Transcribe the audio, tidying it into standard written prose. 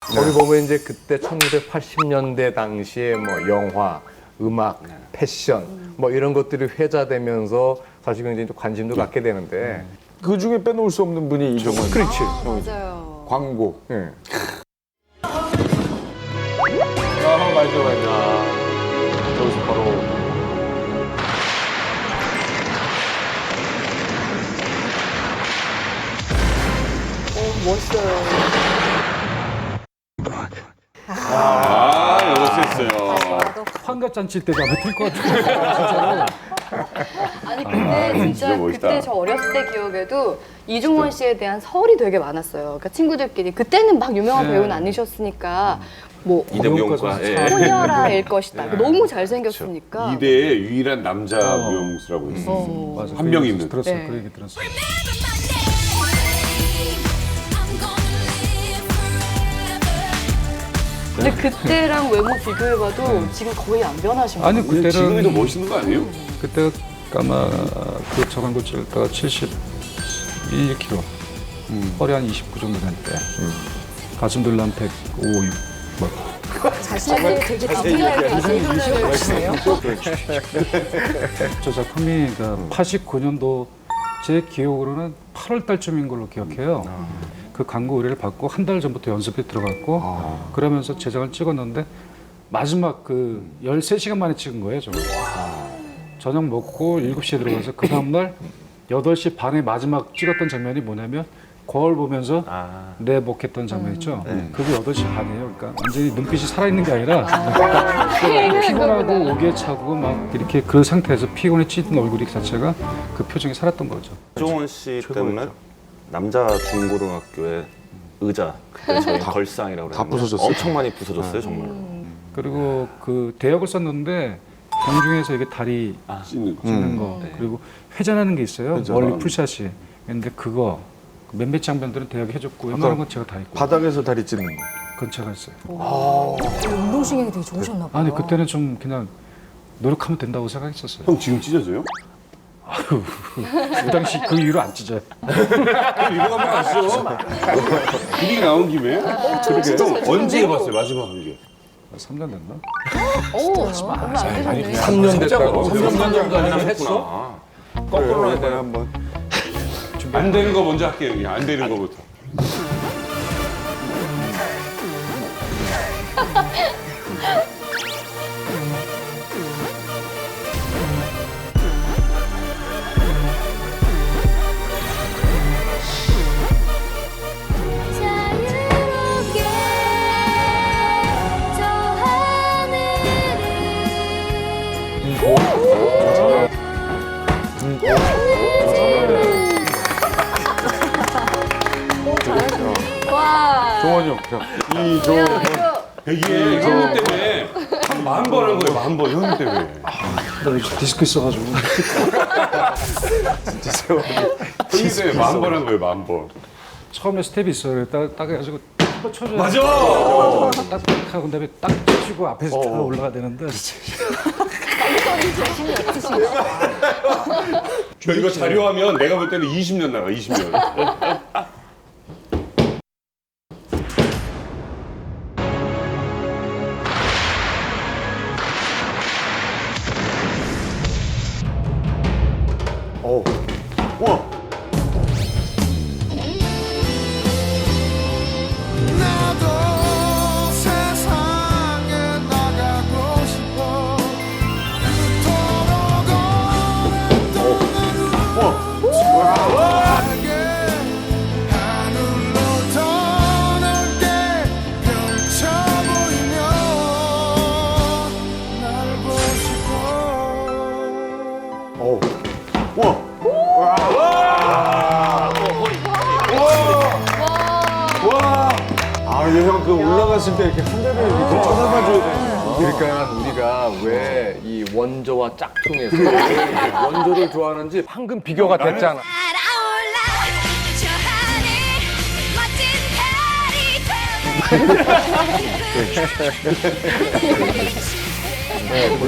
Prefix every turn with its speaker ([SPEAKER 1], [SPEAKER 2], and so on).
[SPEAKER 1] 거기 보면 이제 그때 1980년대 당시에 뭐 영화, 음악, 패션 뭐 이런 것들이 회자되면서 사실 굉장히 좀 관심도 갖게 되는데
[SPEAKER 2] 그 중에 빼놓을 수 없는 분이 이정원.
[SPEAKER 1] 그렇지.
[SPEAKER 3] 맞아요.
[SPEAKER 2] 광고.
[SPEAKER 1] 예.
[SPEAKER 2] 아, 맞아. 저기서 바로.
[SPEAKER 3] 멋있어요.
[SPEAKER 4] 아, 멋있어요.
[SPEAKER 5] 환갑잔치 때도 아마 뛸것 같아요.
[SPEAKER 3] 아니 근데 진짜
[SPEAKER 4] 진짜 멋있다.
[SPEAKER 3] 그때 저 어렸을 때 기억에도 이중원 씨에 대한 설이 되게 많았어요. 그러니까 친구들끼리 그때는 막 유명한
[SPEAKER 5] 네.
[SPEAKER 3] 배우는 아니셨으니까 뭐
[SPEAKER 4] 이대무용과 예.
[SPEAKER 3] 소녀라일 것이다. 너무 잘생겼으니까.
[SPEAKER 4] 이대의 유일한 남자 무용수라고 했어요.
[SPEAKER 5] 맞아.
[SPEAKER 4] 한 명 있는.
[SPEAKER 5] 들었어요.
[SPEAKER 3] 네.
[SPEAKER 5] 그 얘기 들었어요.
[SPEAKER 3] 근데 그때랑 외모 비교해봐도 지금 거의 안 변하신
[SPEAKER 5] 아니
[SPEAKER 3] 거예요.
[SPEAKER 4] 근데 지금이 더
[SPEAKER 5] 그때는
[SPEAKER 4] 멋있는 거 아니에요?
[SPEAKER 5] 그때 아마 그 저광고 찍을 때가 71kg, 허리 한 29 정도 될 때, 가슴들 한 105, 6. 뭐.
[SPEAKER 3] 자신을 되게 디테일하게 아시네요.
[SPEAKER 5] 저 작품이 89년도 제 기억으로는 8월 달쯤인 걸로 기억해요. 그 광고 의뢰를 받고 한 달 전부터 연습에 들어갔고 그러면서 제작을 찍었는데 마지막 그 13시간 만에 찍은 거예요, 저는. 저녁 먹고 7시에 들어가서 그 다음날 8시 반에 마지막 찍었던 장면이 뭐냐면 거울 보면서 내복했던 장면 있죠? 그게 8시 반이에요. 그러니까 완전히 눈빛이 살아있는 게 아니라 피곤하고 오기에 차고 막 이렇게 그 상태에서 피곤에 찌든 얼굴이 자체가 그 표정이 살았던 거죠.
[SPEAKER 6] 이종원 씨 때문에 남자 중고등학교의 의자 그때 저희 걸상이라고
[SPEAKER 2] 다
[SPEAKER 6] 그랬는데
[SPEAKER 2] 부서졌어요?
[SPEAKER 6] 엄청 많이 부서졌어요 정말.
[SPEAKER 5] 그리고 그 대역을 썼는데 공중에서 이게 다리
[SPEAKER 4] 씻는 거.
[SPEAKER 5] 찍는 거 그리고 회전하는 게 있어요.
[SPEAKER 2] 회전.
[SPEAKER 5] 멀리 풀샷이. 근데 그거 몇몇 장면들은 대역이 해줬고 웬만한 건 제가 다 했고
[SPEAKER 2] 바닥에서 다리 찢는 거.
[SPEAKER 5] 그건 제가 했어요.
[SPEAKER 7] 운동신경이 되게 좋으셨나 봐요.
[SPEAKER 5] 아니 그때는 좀 그냥 노력하면 된다고 생각했었어요.
[SPEAKER 4] 형 지금 찢어져요?
[SPEAKER 5] 그 당시 그 이후로 안 찢어요.
[SPEAKER 4] 그럼 이거 한번 하시죠. 분위기 나온 김에. 그러게. 형 언제 해봤어요? 마지막 한 게.
[SPEAKER 5] 3년 됐나?
[SPEAKER 3] 오, 얼마 안 되셨네.
[SPEAKER 1] 3년 됐다고.
[SPEAKER 4] 3년 정도
[SPEAKER 1] 아니면
[SPEAKER 4] 했어?
[SPEAKER 2] 거꾸로 해 한번.
[SPEAKER 4] 안 되는 거 먼저 할게요. 그냥 안 되는 거부터.
[SPEAKER 8] 자유롭게 저 하늘을
[SPEAKER 3] 와.
[SPEAKER 2] 종원이 형. 이종.
[SPEAKER 4] 이게 형님 때문에 한 10,000번 한 거예요. 10,000번 형님 때문에.
[SPEAKER 5] 나 요즘 디스크 있어가지고.
[SPEAKER 4] 형님 때문에 10,000번 한 거예요. 10,000번.
[SPEAKER 5] 처음에 스텝이 있어요. 딱 해가지고 한번 쳐줘요.
[SPEAKER 4] 맞아.
[SPEAKER 5] 딱 하고 그다음에 딱 치고 앞에서 다 올라가야 되는데.
[SPEAKER 4] 저 이거 자료하면 내가 볼 때는 20년 나가. 20년.
[SPEAKER 9] 나도 세상에 나가고 싶어 그토록 오랫동안 나에게 하늘로 더 넓게 펼쳐 보이며 날고 싶어
[SPEAKER 2] 아, 이제 형 그 올라갔을 때 이렇게 한 대를 이렇게 쳐다봐줘야 돼.
[SPEAKER 1] 그러니까 우리가 왜 이 원조와 짝퉁에서 원조를 좋아하는지 방금 비교가 됐잖아.
[SPEAKER 8] 날아올라 저 하늘 멋진 달이 되어